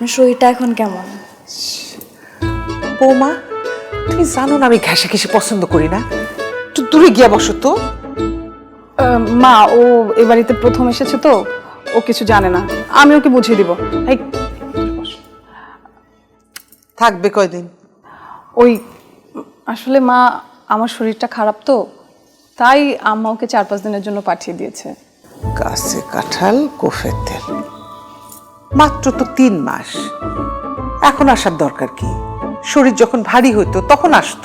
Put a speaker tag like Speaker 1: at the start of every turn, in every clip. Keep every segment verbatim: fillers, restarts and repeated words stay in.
Speaker 1: আপনার শরীরটা এখন কেমন?
Speaker 2: বৌমা, তুমি জানো না আমি ঘেঁষে ঘেঁষে পছন্দ করি না। একটু দূরে গিয়া বসো তো।
Speaker 3: মা, ও এ বাড়িতে প্রথম এসেছে তো, ও কিছু জানে না, আমি ওকে বুঝিয়ে দিব। এই,
Speaker 2: থাকবে কয়দিন?
Speaker 3: ওই আসলে মা, আমার শরীরটা খারাপ তো, তাই আম্মা ওকে চার পাঁচ দিনের জন্য পাঠিয়ে দিয়েছে।
Speaker 2: গাছে কাঁঠাল কোফের তেল, মাত্র তো তিন মাস, এখন আসার দরকার কি? শরীর যখন ভারী হইতো তখন আসতো।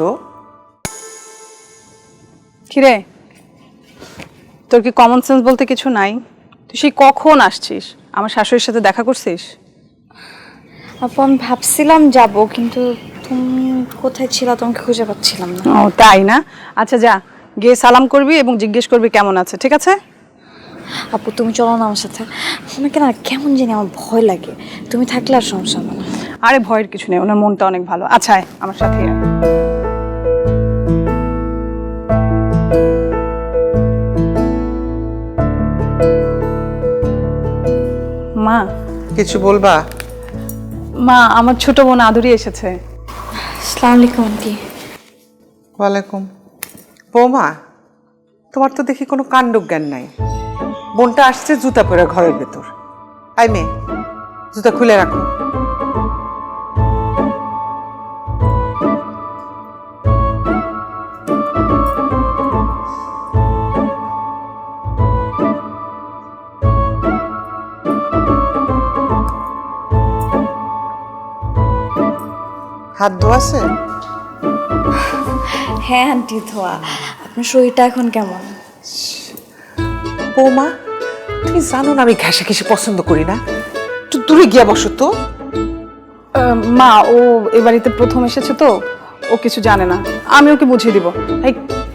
Speaker 3: কিরে, তোর কি কমন সেন্স বলতে কিছু নাই? তুই সেই কখন আসছিস? আমার শাশুড়ির সাথে দেখা করছিস?
Speaker 1: আপু আমি ভাবছিলাম যাব, কিন্তু তুমি কোথায় ছিলা তোমাকে খুঁজে পাচ্ছিলাম না।
Speaker 3: ও তাই না? আচ্ছা যা, গিয়ে সালাম করবি এবং জিজ্ঞেস করবি কেমন আছে, ঠিক আছে?
Speaker 1: আপু তুমি চলো না আমার সাথে, আমাকে না কেমন জানি আমার ভয় লাগে, তুমি থাকলে আর সমস্যা হবে না।
Speaker 3: আরে ভয়ের কিছু নেই, ওনার মনটা অনেক ভালো। আচ্ছা আয়, আমার সাথে আয়। মা,
Speaker 2: কিছু বলবা?
Speaker 3: মা, আমার ছোট বোন আদুরি এসেছে।
Speaker 1: আসসালামু আলাইকুম আন্টি।
Speaker 2: ওয়ালাইকুম। বৌমা, তোমার তো দেখি কোনো কাণ্ডজ্ঞান নাই। বোনটা আসছে জুতা পরে ঘরের ভেতর। আই মেয়ে, জুতা খুলে রাখো। হাত ধোয়াছে?
Speaker 1: হ্যাঁ আন্টি ধোয়া। আপনার শরীরটা এখন কেমন?
Speaker 2: বৌমা, তুমি জানো না আমি ঘেঁষে ঘেঁষে পছন্দ করি না। একটু দূরে গিয়া বসো তো।
Speaker 3: মা, ও এ বাড়িতে প্রথম এসেছে তো, ও কিছু জানে না, আমি ওকে বুঝিয়ে দিব। এই,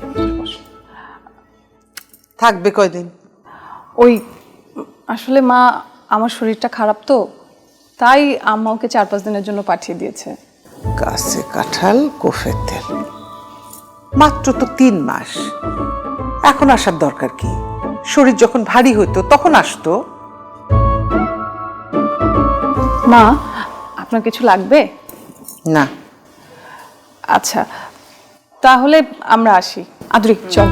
Speaker 2: থাকবে কয়দিন?
Speaker 3: ওই আসলে মা, আমার শরীরটা খারাপ তো, তাই আম্মা ওকে চার পাঁচ দিনের জন্য পাঠিয়ে দিয়েছে।
Speaker 2: গাছে কাঁঠাল কোফের তেল, মাত্র তো তিন মাস, এখন আসার দরকার কি? শরীর যখন ভারী হইতো তখন আসতো।
Speaker 3: মা, আপনার কিছু লাগবে?
Speaker 2: না।
Speaker 3: আচ্ছা, তাহলে আমরা আসি। আদুরি চল।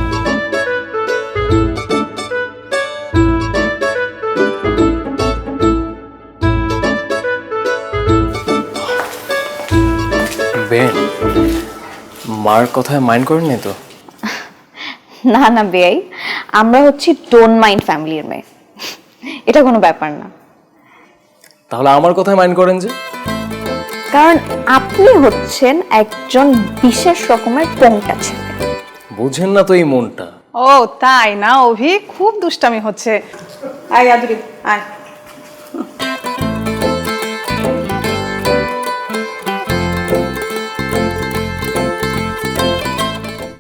Speaker 4: বেন, মার কথায় মাইন্ড করেননি তো?
Speaker 1: না না বেয়াই, আমরা হচ্ছি ডোন্ট মাইন্ড ফ্যামিলির মেয়ে, এটা কোনো ব্যাপার না।
Speaker 4: তাহলে আমার কথায় মাইন্ড করেন যে?
Speaker 1: কারণ আপনি হচ্ছেন একজন বিশেষ রকমের পোংটা ছেলে।
Speaker 4: বুঝেন না তো এই মনটা।
Speaker 3: ও তাই না অভি, খুব দুষ্টামি হচ্ছে। আয় আদুরি আয়।